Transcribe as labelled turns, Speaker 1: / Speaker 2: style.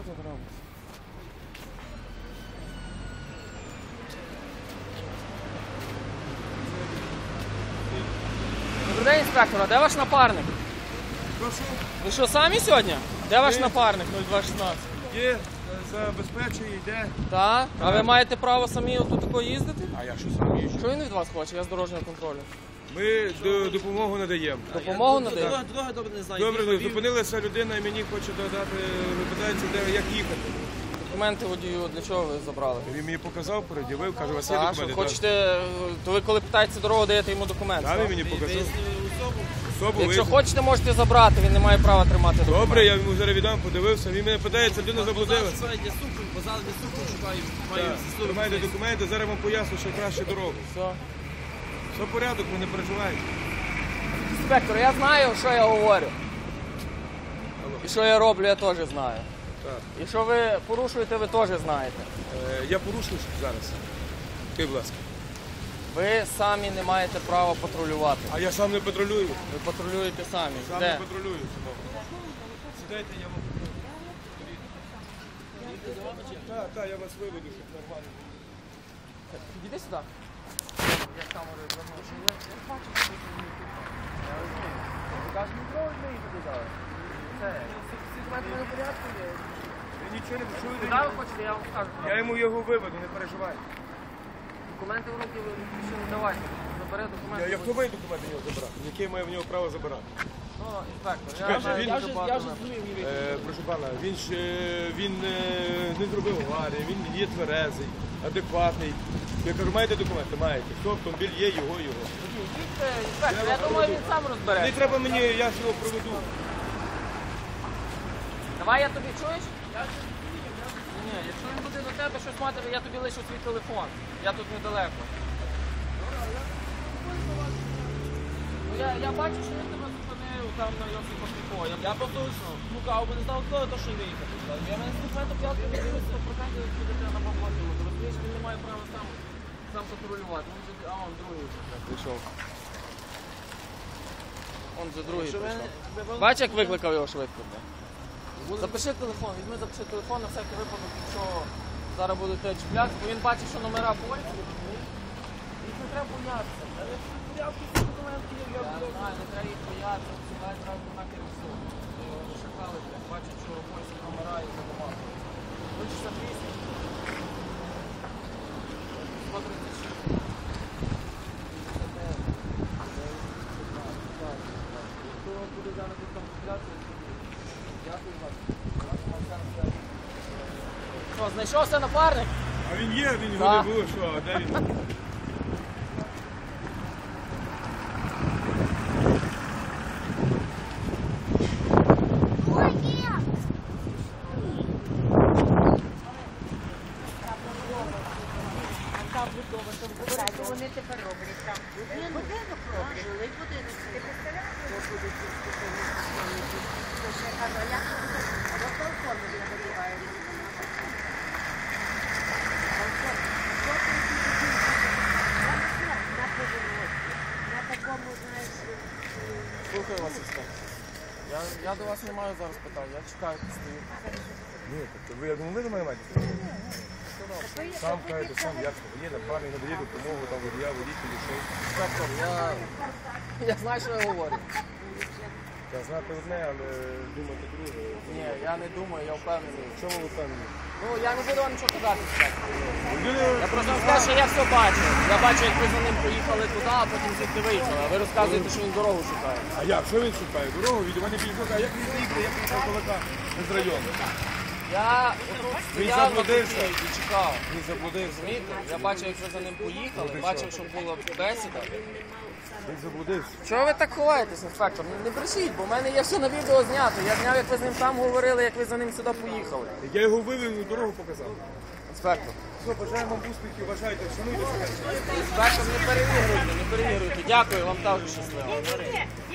Speaker 1: тут робиться? Добрий день, інспектор, а де ваш напарник?
Speaker 2: Прошу.
Speaker 1: Ви що, самі сьогодні? Де ваш напарник 0216?
Speaker 2: Є, забезпечує, йде.
Speaker 1: Так? А ви маєте право самі отут тако їздити?
Speaker 2: А я що сам їжджу?
Speaker 1: Що він від вас хоче? Я з дорожнього контролю.
Speaker 2: Ми допомогу надаємо.
Speaker 1: Допомогу надаєте?
Speaker 3: Дорога добре не знаю.
Speaker 2: Добре, зупинилася людина і мені хоче додати, питається, як їхати.
Speaker 1: Документи водію для чого ви забрали?
Speaker 2: Він мені показав, пред'явив, каже, у вас є
Speaker 1: Так,
Speaker 2: документи?
Speaker 1: що хочете, то ви коли питаєте дорогу, даєте йому документи.
Speaker 2: Так, він мені показав. Особу
Speaker 1: Якщо
Speaker 2: визнав.
Speaker 1: хочете, можете забрати, він не має права тримати документи.
Speaker 2: Добре, я йому зараз віддам, подивився. Він мене питається, людина заблудилася.
Speaker 3: Базар для супу шукаю.
Speaker 2: Тримайте документи, зараз вам поясню, що краще дорогу.
Speaker 1: Все.
Speaker 2: Все в порядок, ви не переживайте.
Speaker 1: Інспектор, я знаю, що я говорю. І що я роблю, я теж знаю.
Speaker 2: Так.
Speaker 1: І що ви порушуєте, ви теж знаєте.
Speaker 2: Я порушую зараз. Ти, будь ласка.
Speaker 1: Ви самі не маєте права патрулювати.
Speaker 2: А я сам не патрулюю.
Speaker 1: Ви патрулюєте самі.
Speaker 2: Сам
Speaker 1: Де?
Speaker 2: не патрулюю. Сідайте, я вам Так, я вас виведу, щоб нормально.
Speaker 1: Підійди сюди. Я з камерою звернувся. Я бачу, що ви Я розумію. Ви кажете, ніколи не їхати зараз. Це, всі документи в порядку є.
Speaker 2: Я нічого не почую.
Speaker 1: Куди ви хочете, я вам скажу.
Speaker 2: Я йому його виведу, не переживай.
Speaker 1: Документи в руки ви ще не давайте. Забери документи.
Speaker 2: Я хто має документи в нього забрати? Яке має в нього право забирати?
Speaker 1: Ну, інспектор,
Speaker 2: Чекайте, він-
Speaker 3: Я вже зрозумів.
Speaker 2: Прошу пана, він не зробив аварії, він є тверезий, адекватний. Я кажу, маєте документи? Маєте. Хто автомобіль є, його.
Speaker 1: Інспектор, я думаю, він сам
Speaker 2: Не
Speaker 1: розбереться.
Speaker 2: треба мені, я ж його проведу.
Speaker 1: Давай я тобі чуєш? Ні, якщо він буде до тебе щось мати, я тобі лишу свій телефон. Я тут недалеко. Ну, я бачу, що він тебе зупинив там на Йосипа Піко.
Speaker 3: Я просто шукав, бо не знав, хто то, що виїхати. Я мене з документом п'ятку не дивився, то прокатили, що дитина на походило. Ти розумієш, він не має права сам патрулювати. А он другий вже прийшов.
Speaker 1: Он за другий
Speaker 3: Що
Speaker 1: прийшов.
Speaker 3: ви-
Speaker 1: Бачиш, як викликав його швидко? Запиши телефон, візьми, запиши телефон на всякий випадок, якщо зараз будете чіпляти, бо він бачить, що номера поліції, розумієш? Їх не треба боятися. Я не знаю, не треба їх боятися, сюди одразу на керівцю. Шакали, бачать, що польські номера і задавали. 068. 136. Якщо буде зараз тут там купляти, дякую вам. Що, знайшовся напарник?
Speaker 2: А він є, він його
Speaker 1: Так.
Speaker 2: не було, що, а де він?
Speaker 4: Вони тепер роблять там. Будинок роблять. Жилий будинок. Ти представляєш, що буде ці спеціалісти? Я кажу, а як це буде? А в якому формі він надіває? На повороті. На такому, знаєш,
Speaker 1: Слухаю вас, інспектор. Я до вас не маю зараз питань, я чекаю, стою.
Speaker 2: Ні, тобто ви, я думаю, ви до мене маєте. Сам кажете, сам як це, є напарник, надає допомогу, там водія, водителі, що.
Speaker 1: Інспектор, я знаю, що я говорю.
Speaker 2: Я знати одне, але думати друге.
Speaker 1: Ні, я не думаю, я впевнений.
Speaker 2: В чому ви впевнені?
Speaker 1: Ну, я не буду вам нічого казати, інспектор.
Speaker 2: Людина-
Speaker 1: Я просто вам скажу, що я все бачу. Я бачу, як ви за ним поїхали туди, а потім звідти виїхали. А ви розказуєте, що він дорогу шукає.
Speaker 2: А як? Що він шукає? Дорогу від мене підійшов, а як він заїхав, як він кулака з району?
Speaker 1: Я отут
Speaker 2: Він
Speaker 1: стояв на
Speaker 2: заблудився.
Speaker 1: куті і чекав.
Speaker 2: Він заблудився.
Speaker 1: Розумієте? Я бачив, як ви за ним поїхали, бачив, що була бесіда.
Speaker 2: Він заблудився.
Speaker 1: Чого ви так ховаєтесь, інспектор? Не брешіть, бо в мене є все на відео знято. Я зняв, як ви з ним там говорили, як ви за ним сюди поїхали.
Speaker 2: Я його вивів і дорогу показав.
Speaker 1: Інспектор.
Speaker 2: Все, бажаємо вам успіхів, вважайте, шануйте себе.
Speaker 1: Інспектор, не перевірюйте. Дякую, вам також щасливо.